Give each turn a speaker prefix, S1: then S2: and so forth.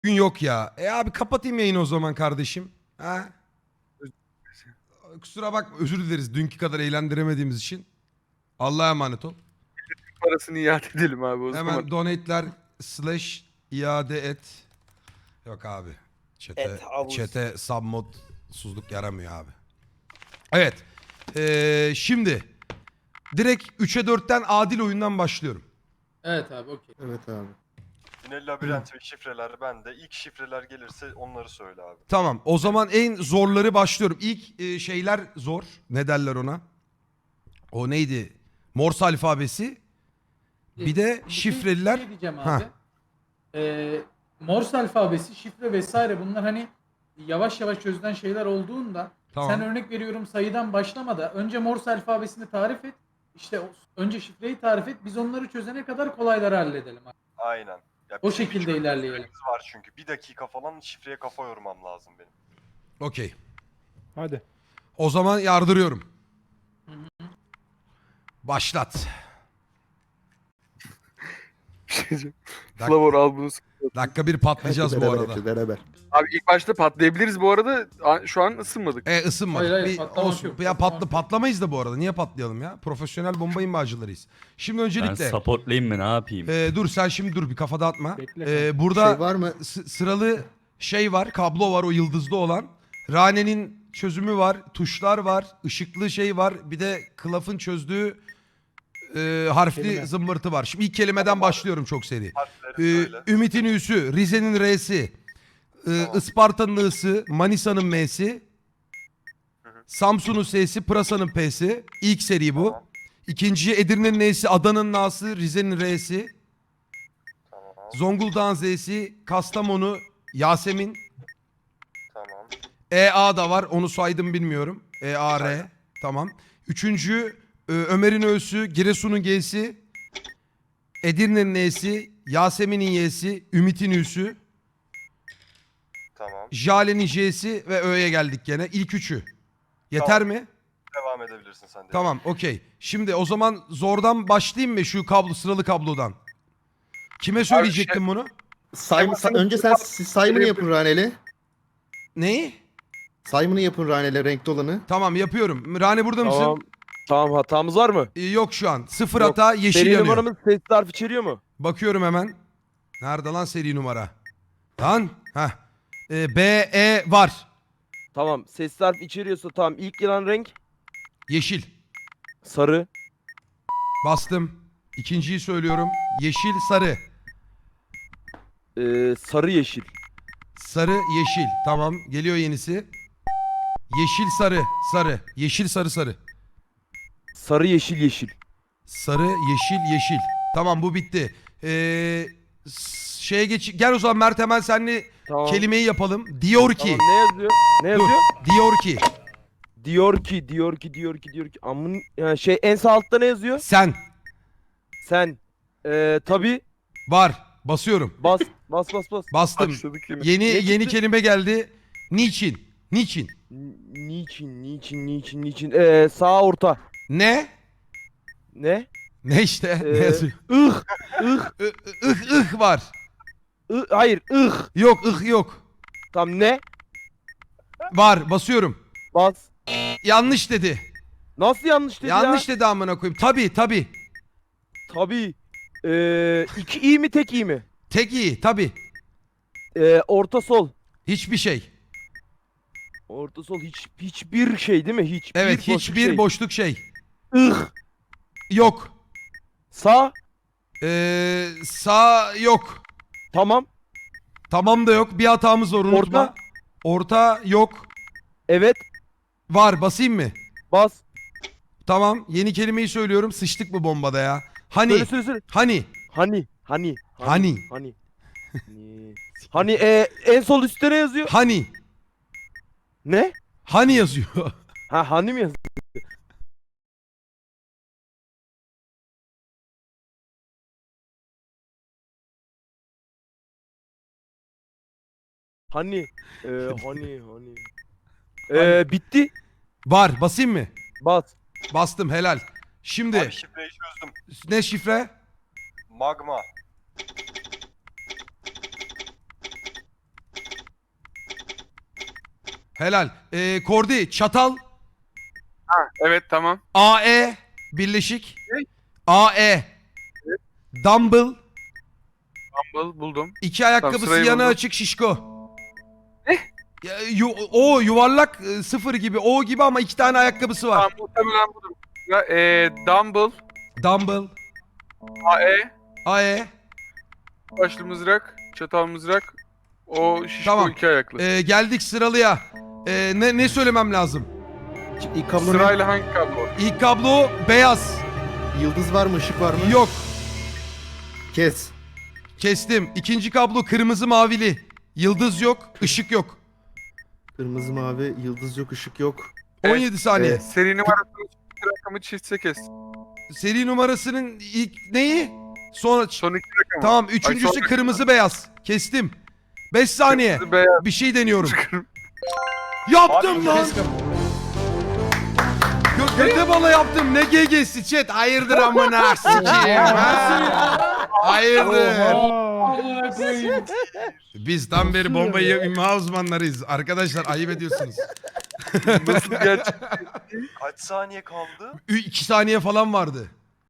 S1: Gün yok ya. Abi kapatayım yayını o zaman kardeşim. Ha? Kusura bakma, özür dileriz dünkü kadar eğlendiremediğimiz için. Allah'a emanet ol.
S2: Parasını iade edelim abi o zaman.
S1: Hemen donate'ler / iade et. Yok abi.
S3: Et havuz.
S1: Çete submodsuzluk yaramıyor abi. Evet. Şimdi direkt 3'e 4'ten adil oyundan başlıyorum.
S4: Evet abi okey.
S5: Evet abi.
S6: Yine labirent ve şifreler bende. İlk şifreler gelirse onları söyle abi.
S1: Tamam. O zaman en zorları başlıyorum. İlk şeyler zor. Ne derler ona? O neydi? Morse alfabesi. Bir de şifreliler.
S4: Bir şey diyeceğim
S1: Ha.
S4: abi. Morse alfabesi, şifre vesaire bunlar hani yavaş yavaş çözülen şeyler olduğunda
S1: Tamam.
S4: sen örnek veriyorum sayıdan başlama da önce Morse alfabesini tarif et. İşte önce şifreyi tarif et. Biz onları çözene kadar kolayları halledelim abi.
S6: Aynen. Ya
S4: O
S6: bizim
S4: şekilde
S6: bir
S4: ilerleyelim.
S6: süremiz var çünkü. Bir dakika falan şifreye kafa yormam lazım benim.
S1: Okey.
S2: Hadi.
S1: O zaman yardırıyorum. Başlat.
S2: Flavor al bunu.
S1: Dakika bir patlayacağız bu
S5: Beraber
S1: arada.
S5: yapacağız, beraber.
S2: Abi ilk başta patlayabiliriz bu arada. Şu an ısınmadık.
S1: Isınmadık.
S4: Hayır,
S1: Bir
S4: patlamak
S1: olsun.
S4: yok,
S1: Ya
S4: patlamak yok.
S1: patlamayız da bu arada. Niye patlayalım ya? Profesyonel bomba imzacılarıyız. Şimdi
S7: Ben
S1: öncelikle
S7: supportlayayım mı ne yapayım?
S1: dur sen şimdi dur bir kafa dağıtma.
S4: Bekle.
S1: Burada
S5: Şey var mı?
S1: sıralı şey var, kablo var o yıldızlı olan. Rane'nin çözümü var, tuşlar var, ışıklı şey var. Bir de Klaf'ın çözdüğü harfli
S4: Kelime.
S1: zımbırtı var. Şimdi ilk kelimeden başlıyorum çok seri.
S6: Harfleri söyle.
S1: Ümit'in Ü'sü, Rize'nin R'si, Isparta'nın I'sı, Manisa'nın M'si, Samsun'un S'si, Pırasa'nın P'si. İlk seri bu.
S6: Tamam.
S1: İkinciye Edirne'nin N'si, Adana'nın A'sı, Rize'nin R'si,
S6: Tamam.
S1: Zonguldak'ın Z'si, Kastamonu, Yasemin,
S6: Tamam.
S1: EA da var onu saydım bilmiyorum. EAR tamam. Üçüncü Ömer'in Ö'sü, Giresun'un G'si, Edirne'nin N'si, Yasemin'in Y'si, Ümit'in Ü'sü,
S6: Tamam.
S1: Jale'nin J'si ve Ö'ye geldik gene. İlk üçü. Yeter
S6: Tamam.
S1: mi?
S6: Devam edebilirsin sen de.
S1: Tamam okey. Şimdi o zaman zordan başlayayım mı şu kablo sıralı kablodan? Kime söyleyecektim bunu?
S5: Önce siz sayımını yapın Raneli.
S1: Neyi?
S5: Sayımını yapın Raneli renkli olanı.
S1: Tamam yapıyorum. Rane burada mısın?
S8: Tamam. Tamam hatamız var mı?
S1: Yok şu an. Sıfır
S8: Yok.
S1: hata yeşil
S8: Seri
S1: yanıyor.
S8: numaramız ses harf içeriyor mu?
S1: Bakıyorum hemen. Nerede lan seri numara? Lan. Heh. B, E var.
S8: Tamam. Ses harf içeriyorsa tamam. İlk gelen renk
S1: Yeşil.
S8: sarı.
S1: Bastım. İkinciyi söylüyorum. Yeşil, sarı.
S8: Sarı yeşil.
S1: Sarı, yeşil. Tamam. Geliyor yenisi. Yeşil, sarı. Sarı. Yeşil, sarı, sarı.
S8: Sarı yeşil yeşil.
S1: Sarı, yeşil, yeşil. Tamam bu bitti. Şeye geç. Gel o zaman Mert hemen seninle
S8: Tamam.
S1: kelimeyi yapalım. Diyor ki.
S8: Tamam, ne yazıyor? Ne
S1: Dur.
S8: yazıyor?
S1: Diyor ki.
S8: Diyor ki. Amın yani şey en sağ altta ne yazıyor?
S1: Sen.
S8: Sen. Tabii.
S1: Var. Basıyorum.
S8: Bas.
S1: Bastım.
S2: Başladık yine.
S1: Yeni
S8: çıktı?
S1: kelime geldi. Niçin? Niçin?
S8: Niçin? Sağ orta.
S1: Ne?
S8: Ne?
S1: Ne işte? Ne yazıyor?
S8: ıh.
S1: Ih var.
S8: Hayır.
S1: Yok ih yok.
S8: Tamam ne?
S1: Var. Basıyorum.
S8: Bas.
S1: Yanlış dedi.
S8: Nasıl yanlış dedi
S1: Yanlış
S8: ya?
S1: dedi amına koyayım. Tabii.
S8: Tabii. İki iyi mi tek iyi mi?
S1: Tek iyi. Tabii.
S8: Orta sol.
S1: Hiçbir şey.
S8: Orta sol hiçbir şey değil mi?
S1: Evet
S8: boşluk
S1: hiçbir
S8: şey.
S1: boşluk şey.
S8: Ih.
S1: Yok.
S8: Sağ.
S1: Sağ yok.
S8: Tamam.
S1: Tamam da yok. Bir hatamız var unutma.
S8: Orta.
S1: Orta yok.
S8: Evet.
S1: Var. Basayım mı?
S8: Bas.
S1: Tamam. Yeni kelimeyi söylüyorum. Sıçtık bu bombada ya. Hani.
S8: Söyle.
S1: Hani.
S8: Hani.
S1: Hani.
S8: Hani en sol üstte ne yazıyor?
S1: Hani.
S8: Ne?
S1: Hani yazıyor.
S8: Ha hani mi yazıyor? Hani. Hani. Bitti.
S1: Var. Basayım mı?
S8: Bas.
S1: Bastım. Helal. Şimdi.
S6: Abi şifreyi çözdüm.
S1: Ne şifre?
S6: Magma.
S1: Helal. Kordi çatal.
S2: Evet tamam.
S1: AE birleşik.
S2: Ne?
S1: AE. Dumbbell.
S2: Dumbbell buldum.
S1: İki ayakkabısı
S2: sırayı
S1: yana
S2: buldum.
S1: açık şişko. O yuvarlak sıfır gibi. O gibi ama iki tane ayakkabısı var.
S2: Tamam muhtemelen buldum. Dumbbell,
S1: Dumbbell.
S2: AE,
S1: AE.
S2: başlı mızrak, çatal mızrak, o şişko
S1: Tamam.
S2: iki ayaklı.
S1: Geldik sıralıya. Ne söylemem lazım?
S5: İlk kablo ne?
S2: Sırayla hangi kablo?
S1: İlk kablo beyaz.
S5: Yıldız var mı? Işık var mı?
S1: Yok.
S5: Kes.
S1: Kestim. İkinci kablo kırmızı mavili. Yıldız yok, ışık yok.
S5: Kırmızı mavi, yıldız yok, ışık yok.
S1: 17 saniye.
S2: Seri numarasını çift rakamı çiftse kes.
S1: Seri numarasının ilk neyi? Sonra
S2: Son iki rakamı.
S1: tamam, üçüncüsü
S2: sonra-
S1: kırmızı beyaz. Kestim. 5 saniye.
S2: Kırmızı, beyaz,
S1: Bir şey deniyorum.
S2: kırmızı.
S1: Yaptım
S6: Abi,
S1: lan.
S4: Kes kapıyı.
S1: Göte bala yaptım. Ne GG'si chat? Hayırdır amına sikeyim ha? Hayırdır?
S4: Amına koyayım.
S1: Biz tam beri bombayı imha uzmanlarıyız. Arkadaşlar ayıp ediyorsunuz.
S2: Nasıl gerçek?
S6: Kaç saniye kaldı?
S1: 2 saniye falan vardı.